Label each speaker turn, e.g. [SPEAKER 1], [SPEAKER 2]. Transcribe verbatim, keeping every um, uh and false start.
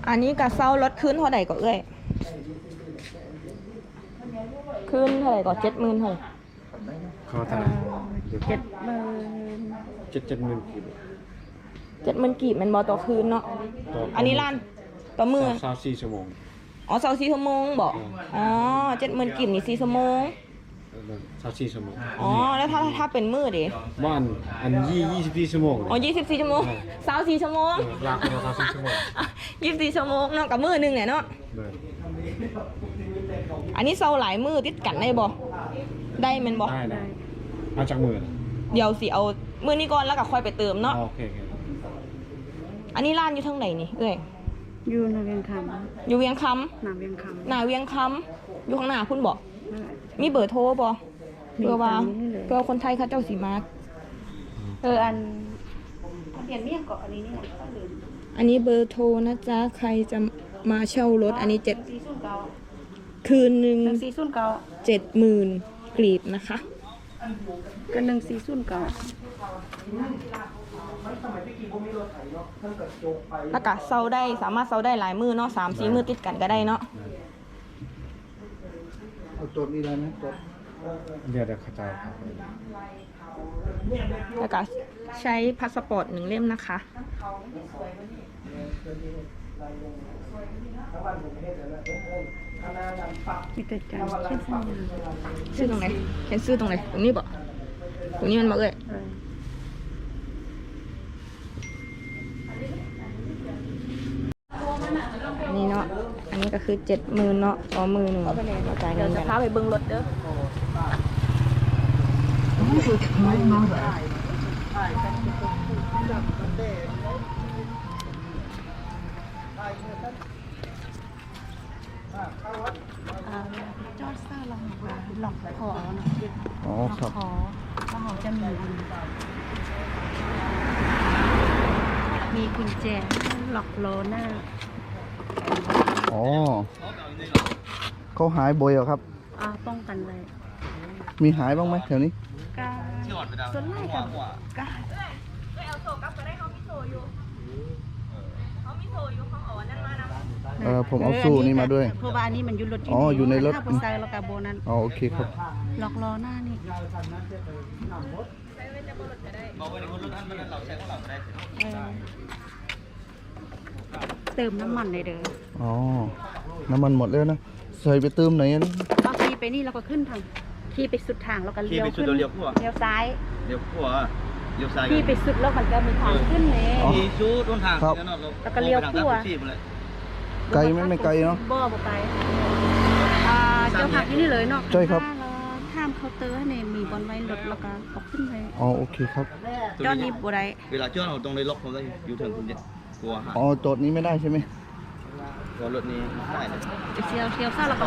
[SPEAKER 1] อันนี้กะเซารถขึ้นเท่าไหร่ก็เอ้ยขึ้นเท่าไหร่ก็เจ็ดหมื่นเท่าไหร่
[SPEAKER 2] เขาเท่าไหร่
[SPEAKER 1] เจ็ดหมื่น
[SPEAKER 2] เจ็ดเจ็ดหมื่นกีบ
[SPEAKER 1] เจ็ดหมื่นกีบมันบอต่อคืนเนาะอันนี้ล้านต่อมือ
[SPEAKER 2] สามสี่ชั่วโมง
[SPEAKER 1] อ๋อเสาสี่ชั่วโมงบอกอ๋อเจ็ดหมื่นกีบนี่สี่ชั่วโมง
[SPEAKER 2] สามสี่ชั่วโมง
[SPEAKER 1] อ๋อแล้วถ้าถ้าเป็นมือดิ
[SPEAKER 2] บ้านอันยี่ยี่สิบสี่ชั่วโมง
[SPEAKER 1] อ๋อยี่สิบสี่ชั่วโมงเสาสี่ชั่วโมง
[SPEAKER 2] ลากไปสามสี่ชั่วโมง
[SPEAKER 1] ยี่สิบสี่ชั่วโมงเนาะกับมือหนึ่งเนี่ยเนาะอันนี้เสาหลายมือติดกันได้บ่ได้แมันบ่
[SPEAKER 2] ได้ได้มาจากมือ
[SPEAKER 1] เดี๋ยวสิเอามือนี้ก่อนแล้วก็ค่อยไปเติมเนาะ
[SPEAKER 2] โอเคโอเค
[SPEAKER 1] อันนี้ร้านอยู่ทางไหนนี่เอ้ย
[SPEAKER 3] อยู่ในเวียงค
[SPEAKER 1] อยู่เวียงค
[SPEAKER 3] ำหนาเวียงค
[SPEAKER 1] ำหน้าเวียงคำอยู่ข้างหน้าคุณบอก
[SPEAKER 3] ำนั่นแหละ
[SPEAKER 1] มีเบอร์โทรบ่
[SPEAKER 3] มี
[SPEAKER 1] เพื่อว่า
[SPEAKER 3] ตามนี้เลย
[SPEAKER 1] เพื่อคนไทยเขาเจ้าสีมา
[SPEAKER 3] เอออันเปลี่ยนเมี่ยงเกาะอันนี้นี่แหละก็ลืม
[SPEAKER 1] อันนี้เบอร์โทรนะจ๊ะใครจะมาเช่ารถอันนี้เจ็ด
[SPEAKER 3] สี่ศูนย์เก้า
[SPEAKER 1] คืนหนึ่ง
[SPEAKER 3] หนึ่งสี่ศูนย์เก้า
[SPEAKER 1] เจ็ดหมื่นกรีบนะคะ
[SPEAKER 3] ก็หนึ่งสี่ศูนย์เก้า
[SPEAKER 1] แล้วก็เซาได้สามารถเซาได้หลายมือเนาะสามสี่มือติดกันก็ได้เนาะ
[SPEAKER 4] เอาตัวนี้ได้ไหมตัว
[SPEAKER 2] เดี๋ยวเดี๋ยวเข้าใจครับ
[SPEAKER 1] แล้วก็ใช้พาสปอร์ตหนึ่งเล่มนะคะ
[SPEAKER 3] มีแต่จานเช่นสัญญา
[SPEAKER 1] ซื้อตรงไหนเขียนซื้อตรงไหนตรงนี้บ่ตรงนี้มันบ่เอ่ย
[SPEAKER 3] เออ
[SPEAKER 1] อันนี้เนาะอันนี้ก็คือเจ็ดหมื่นเนาะต่อมือหนึ่งจ่ายเงินจะพาไปเบิ้งรถเด้อ
[SPEAKER 3] อ่าจอดซ่าลองว่าหลอกคอเนาะ
[SPEAKER 4] อ๋อ
[SPEAKER 3] หลอก
[SPEAKER 4] ครับ
[SPEAKER 3] คอแล้วเขาจะมีมีกุญแจหลอกล้อหน้า
[SPEAKER 4] อ๋อเขาหายบ่อยเหรอครับ
[SPEAKER 3] อ่าป้องกันเลย
[SPEAKER 4] มีหายบ้างไหมแถวนี้
[SPEAKER 3] กาส่วนแรกกับกา
[SPEAKER 1] เอาโซ่กลับก็ได้เขามีโซ่อยู่เขามีโซ่อยู่เขาเอาอันนั้นมานะ
[SPEAKER 4] เออผมเอาสู้นี่มาด้วย
[SPEAKER 3] เพราะว่าอันนี้มันอยู่รถ
[SPEAKER 4] อ๋ออยู่ในรถ
[SPEAKER 3] ถ้าผู้ชายเรากับโบนั้น
[SPEAKER 4] อ๋อโอเคครับ
[SPEAKER 3] หลอกล้อหน้านี่เออเติมน้ำมันเลยเด้อ
[SPEAKER 4] อ๋อ น้ำมันหมดแล้วนะ ใส่ไปเติมไหนอันนี้
[SPEAKER 3] เอาขี่ไปนี่เราก็ขึ้นทางขี่ไปสุดทางเราก็เลี้ยวขึ้นเลี้ยวซ้าย
[SPEAKER 5] เดี๋ยวขัวเดี๋ยวซ้าย
[SPEAKER 3] ขี่ไปสุดแล้วมันก็มีทางขึ้นเลย
[SPEAKER 5] มีชูต้นทาง
[SPEAKER 4] ครับ
[SPEAKER 3] แล้วก็เลี้ยวขั่ว
[SPEAKER 4] ไกลไหมไม่ไกลเนาะ
[SPEAKER 3] บ่บ่ไปอ่าเจ้าผักที่นี่เลยเนาะ
[SPEAKER 4] ใช่ครับ
[SPEAKER 3] ถ้าเราข้ามเคาน์เตอร์เนี่ยมีบอลไว้รถแล้วก็เอาขึ้นไป
[SPEAKER 4] อ๋อโอเคครับ
[SPEAKER 3] จอดนี้บ่ได้
[SPEAKER 5] เวลาจอดเราต้องได้ล็อกผมได้อยู่ถึงคุณเนี่ยกลัวหาย
[SPEAKER 4] อ๋อโจทย์นี้ไม่ได้ใช่ไหม
[SPEAKER 5] กลัวรถนี้ได้เลย
[SPEAKER 3] เชียวเชียวซ่าแล้วก็